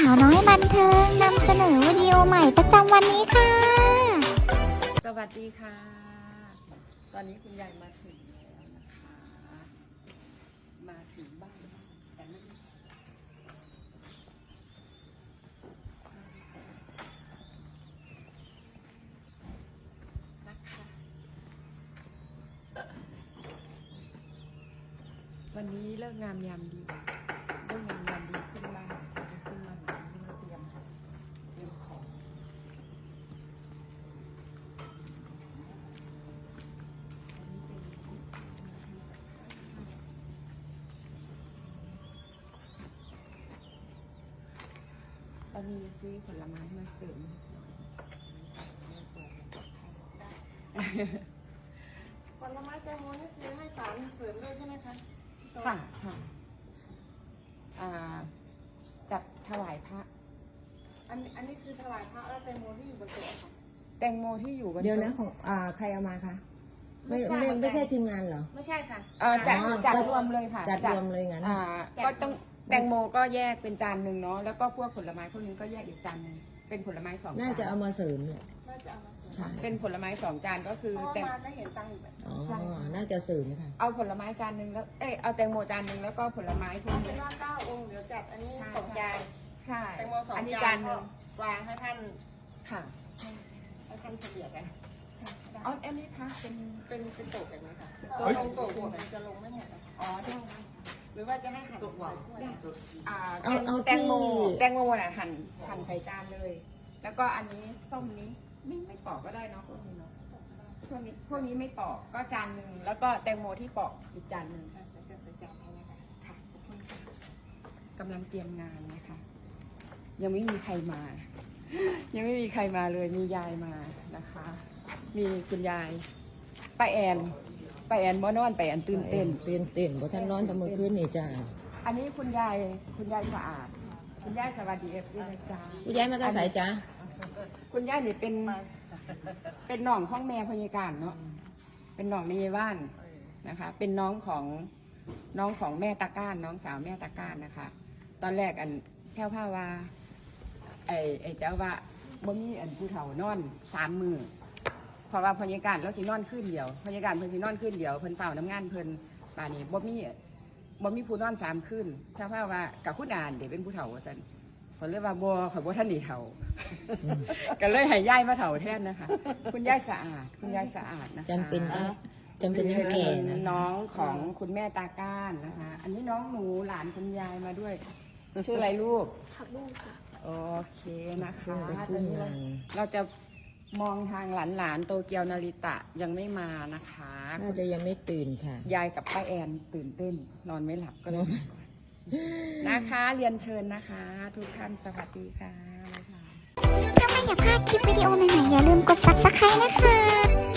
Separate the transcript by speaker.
Speaker 1: าวน้อยบันเทิงนำเสนอวิดีโอใหม่ประจำวันนี้ค่ะ
Speaker 2: สวัสดีค่ะ ตอนนี้คุณยายมาถึงแล้วนะคะ มาถึงบ้านแต่ไม่นะคะวันนี้เลิกงามยามดีเลิกงามยามดีขึ้นบ้านขึ้นมาหาเตรียมของเรามีซื้อผลไม้มาเสริม
Speaker 3: ผลไม้แตงโมนี่คือให้สารเสริมด้วยใช่ไหมคะ
Speaker 2: ค่ะค่ะจัดถวายพระ
Speaker 3: อันนี้คือถวายพระแล้วแตงโมที่อยู่บนโต๊ะค่ะ
Speaker 2: แตงโมที่อยู่บน
Speaker 4: เดี๋ยวนะ
Speaker 2: โต๊ะ
Speaker 4: ของใครเอามาคะไม่ใช่ทีมงานเหรอ
Speaker 3: ไม่ใช่ค่ะ
Speaker 2: จัดรวมเลยค่ะ
Speaker 4: จัดรวมเลยงั้น
Speaker 2: ก็ต้องแตงโมก็แยกเป็นจานหนึ่งเนาะแล้วก็พวกผลไม้พวกนี้ก็แยกอีกจานหนึ่งเป็นผลไม้2
Speaker 4: น่าจะ
Speaker 2: จาน
Speaker 4: เอามาเสริมเนี่ย
Speaker 3: น่าจะเอามาเสริม
Speaker 4: ใช่
Speaker 2: เป็นผลไม้2 จานก็คือ
Speaker 3: เพราะ
Speaker 2: แตง
Speaker 3: มาก็เห็นตังค์อยู่แบบ
Speaker 4: อ๋อ
Speaker 2: ใช่ค่ะ
Speaker 4: น่าจะเสริมค่ะ
Speaker 2: เอาผลไม้จานหนึ่งแล้วเอาแตงโมจานหนึ่งแล้วก็ผลไม้พวก
Speaker 3: เอาเป็
Speaker 2: นี้
Speaker 3: นว่า9 องค์เดี๋ยวจัดอันนี้
Speaker 2: ใช่
Speaker 3: 2 จาน
Speaker 2: ใช่
Speaker 3: แตงโม2
Speaker 2: อันนี้
Speaker 3: จา
Speaker 2: จาน นหนึ่ง
Speaker 3: ก็วางให้ท่าน
Speaker 2: ค่ะ
Speaker 3: ให้ท่านเฉลี่ยกัน
Speaker 2: อ๋ออันนี้ค่ะ
Speaker 3: เป็นโต๊ะแบบนี้ค่ะลงโต๊ะหัวมันจะลงไม่หมดนะคะ
Speaker 2: อ๋อได้
Speaker 3: หรือว่าจะให้หั่นใส่ถ้วย
Speaker 4: เอา
Speaker 2: แตงโม
Speaker 4: ที่
Speaker 2: แตงโมน่ะหั่นใส่จานเลย แล้วก็อันนี้ส้มนี้ไม่ปอกก็ได้เนาะพวกนี้เนาะพวกนี้ไม่ปอกก็จานหนึ่งแล้วก็แตงโมที่ปอกอีกจานหนึ่ง
Speaker 3: เดี๋ยวจะใส่จานให้นะคะ
Speaker 2: ค่ะขอบคุณค่ะกำลังเตรียมงานนะคะ ยังไม่มีใครมา ยังไม่มีใครมาเลยมียายมานะคะ มีคุณยายป้าแอนบ่นอนป้าแอนตื่นเต้น
Speaker 4: เต้นเพราะท่านร้อนแตะมือคืนนี่จ้า
Speaker 2: อันนี้คุณยายสะอาด คุณยายสวัสดีเอฟซีนะจ๊ะ
Speaker 4: ผู้ย้ายมาตั้งสายจ้า
Speaker 2: คุณยายนี่เป็นน้องของแม่พยาการเนาะเป็นน้องในบ้านนะคะ เป็นน้องของแม่ตาก้านน้องสาวแม่ตาก้านนะคะ ตอนแรกอันแพ้วผ้าว่าไอ้เจ้าว่าบ่มีอันผู้เฒ่านอน3 มือเพราะว่าพยาการแล้วสินอนขึ้นเดียวพยาการเพิ่นสินอนขึ้นเดียวเพิ่นเฝ้าน้ำงานเพิ่นป่านนี้บ่มีผู้นอน3 คืนแพ้วผ้าว่ากับคุณอ่านเดี๋ยวเป็นผู้เฒ่าว่าซั่นเพิ่นเลยว่าบ่ข่อยบ่ทันได้เฒ่า ก็เลยให้ยายมาเฒ่าแทนนะคะ คุณยายสะอาดนะคะ
Speaker 4: จำเป็นต้องแก่นะ
Speaker 2: น้องของคุณแม่ตาก้านนะคะ อันนี้น้องหนูหลานคุณยายมาด้วยชื่ออะไรลูก
Speaker 1: ผักบุ้งค่ะ
Speaker 2: โอเคนะคะ
Speaker 4: เป็น
Speaker 2: ต
Speaker 4: ผู้
Speaker 2: อนนี้
Speaker 4: งาน
Speaker 2: เราจะมองทางหลานโตเกียวนาริตะยังไม่มานะคะ
Speaker 4: น่าจะยังไม่ตื่นค่ะ
Speaker 2: ยายกับป้าแอนตื่นเต้น นอนไม่หลับก็เลยมาก่อนนะคะ เรียนเชิญนะคะ ทุกท่านสวัสดีค่ะ
Speaker 1: ถ้าไม่อยากพลาดคลิปวิดีโอใหม่ๆอย่าลืมกด subscribe นะคะ